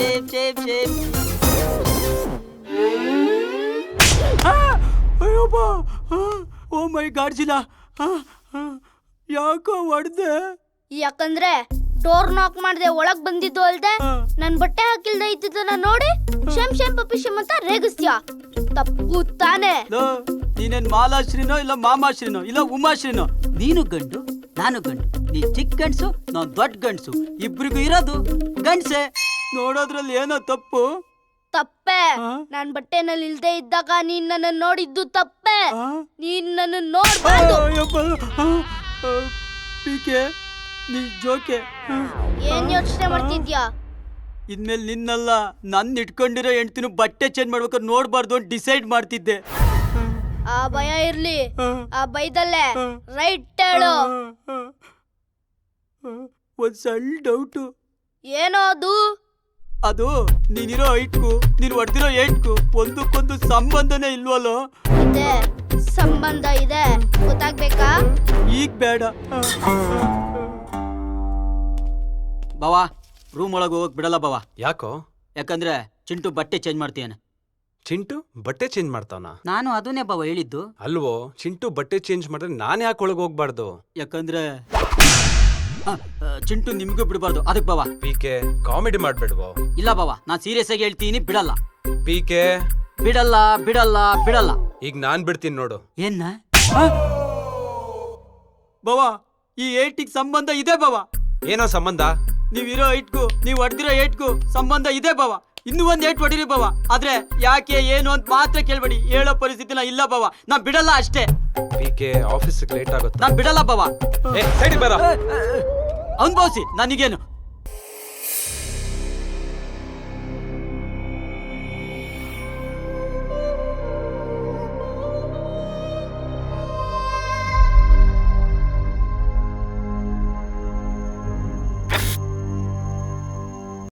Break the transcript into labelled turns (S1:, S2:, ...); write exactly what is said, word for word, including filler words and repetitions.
S1: Shape shape shape.
S2: Ayyappa, oh my Godzilla, ಯಾಕೋ ಹೊಡ್ದೆ?
S3: ಯಾಕಂದ್ರೆ ಡೋರ್ ನಾಕ್ ಮಾಡ್ದೆ ಒಳಗ್ ಬಂದಿದ್ದು ಅಲ್ದೆ ನನ್ ಬಟ್ಟೆ ಹಾಕಿಲ್ದೆ ಇದ್ದಿದ್ದನ್ನ ನೋಡಿ ಶೇಮ್ ಶೇಮ್ ಪಪ್ಪಿ ಶೇಮ್ ಅಂತ ರೇಗಿಸ್ತೀಯ. ತಪ್ಪು ತಾನೆ.
S2: ನೀನೇನ್ ಮಾಲಾಶ್ರೀನೋ ಇಲ್ಲ ಮಾಮಾಶ್ರೀನೋ ಇಲ್ಲ ಉಮಾಶ್ರೀನೋ?
S1: ನೀನು ಗಂಡು ನಾನು ಗಂಡು, ನೀ ಚಿಕ್ಕ ಗಂಡ್ಸು ನಾನ್ ದೊಡ್ಡ ಗಂಡ್ಸು, ಇಬ್ರಿಗೂ ಇರೋದು ಗಂಡ್ಸೆ.
S2: ನೋಡೋದ್ರಲ್ಲಿ ಏನೋ ತಪ್ಪು?
S3: ತಪ್ಪೆ. ನಾನ್ ಬಟ್ಟೆನಲ್ಲಿ ಇಲ್ದೆ ಇದ್ದಾಗ ನೀನ್ ನನ್ನ ನೋಡಿದ್ದು ತಪ್ಪೆ. ನೀನ್ ನನ್ನ ನೋಡ್ಬಾರ್ದು.
S2: ಪಿಕೆ ನೀ ಜೋಕೆ.
S3: ಏನ್ ಯೋಚನೆ ಮಾಡ್ತಿದ್ಯಾ?
S2: ಇನ್ಮೇಲೆ ನಿನ್ನಲ್ಲ ನನ್ನ ಇಟ್ಕೊಂಡಿರೋ ಹೆಂಡ್ತಿನೂ ಬಟ್ಟೆ ಚೇಂಜ್ ಮಾಡ್ಬೇಕಾದ್ರೆ ನೋಡ್ಬಾರ್ದು ಅಂತ ಡಿಸೈಡ್ ಮಾಡ್ತಿದ್ದೆ.
S3: ಆ ಭಯ ಇರ್ಲಿ, ಆ ಭಯದಲ್ಲೇ ರೈಟ್ ಹೇಳು.
S2: ಒಂದ್ ಸಣ್ಣ ಡೌಟು.
S3: ಏನೋ ಅದು?
S2: ಅದು ನೀನಿರೋ ಹೈಟ್ಗೂ ನೀನು ಹೊಡೆದಿರೋ ಏಟ್ಗೂ ಒಂದಕ್ಕೊಂದು ಸಂಬಂಧನೇ ಇಲ್ವಲ್ಲೋ?
S3: ಇದೆ, ಸಂಬಂಧ ಇದೆ. ಗೊತ್ತಾಗ್ಬೇಕಾ?
S2: ಈಗ ಬೇಡ. ಬಾವಾ, ರೂಮ್ ಒಳಗೆ ಹೋಗಕ್ ಬಿಡಲ್ಲ ಬಾವಾ.
S4: ಯಾಕೋ?
S2: ಯಾಕಂದ್ರೆ ಚಿಂಟು ಬಟ್ಟೆ ಚೇಂಜ್ ಮಾಡ್ತೀಯಾನೆ.
S4: ಚಿಂಟು ಬಟ್ಟೆ ಚೇಂಜ್ ಮಾಡ್ತಾವನ?
S1: ನಾನು ಅದನ್ನೇ ಬಾವ ಹೇಳಿದ್ದು.
S4: ಅಲ್ವೋ, ಚಿಂಟು ಬಟ್ಟೆ ಚೇಂಜ್ ಮಾಡಿದ್ರೆ ನಾನು ಯಾಕೆ ಒಳಗೆ ಹೋಗ್ಬಾರ್ದು?
S2: ಯಾಕಂದ್ರೆ ಚಿಂಟು ನಿಮ್ಗೂ ಬಿಡಬಾರ್ದು, ಅದಕ್ಕೆ ಬಾವಾ.
S4: ಪಿ ಕೆ ಕಾಮಿಡಿ ಮಾಡ್ಬೇಡ್ವೋ?
S2: ಇಲ್ಲ ಬಾವಾ, ನಾನ್ ಸೀರಿಯಸ್ ಆಗಿ ಹೇಳ್ತೀನಿ, ಬಿಡಲ್ಲ.
S4: ಪಿ ಕೆ
S2: ಬಿಡಲ್ಲ ಬಿಡಲ್ಲ ಬಿಡಲ್ಲ.
S4: ಈಗ ನಾನ್ ಬಿಡ್ತೀನಿ ನೋಡು.
S2: ಏನ್ನ ಬಾವಾ, ಈ ಏಟಿಗೆ ಸಂಬಂಧ ಇದೆ ಬಾವಾ.
S4: ಏನೋ ಸಂಬಂಧ?
S2: ನೀವಿರೋ ಏಟ್ಗೂ ನೀವು ಹೊಡೆದಿರೋ ಏಟ್ಗೂ ಸಂಬಂಧ ಇದೆ ಬಾವಾ. ಇನ್ನೂ ಒಂದ್ ಏಟ್ ಹೊಡಿರಿ ಬಾವಾ. ಆದ್ರೆ ಯಾಕೆ ಏನು ಅಂತ ಮಾತ್ರ ಕೇಳ್ಬೇಡಿ, ಹೇಳೋ ಪರಿಸ್ಥಿತಿನ ಇಲ್ಲ ಬಾವಾ. ನಾ ಬಿಡಲ್ಲ ಅಷ್ಟೇ.
S4: ಪಿ ಕೆ ಆಫೀಸ್ ಲೇಟ್ ಆಗುತ್ತೆ.
S2: ನಾನ್ ಬಿಡಲ್ಲ ಬಾವಾ.
S4: ಸೈಡ್ ಬರ.
S2: ಅನ್ಭವಿಸಿ, ನನಗೇನು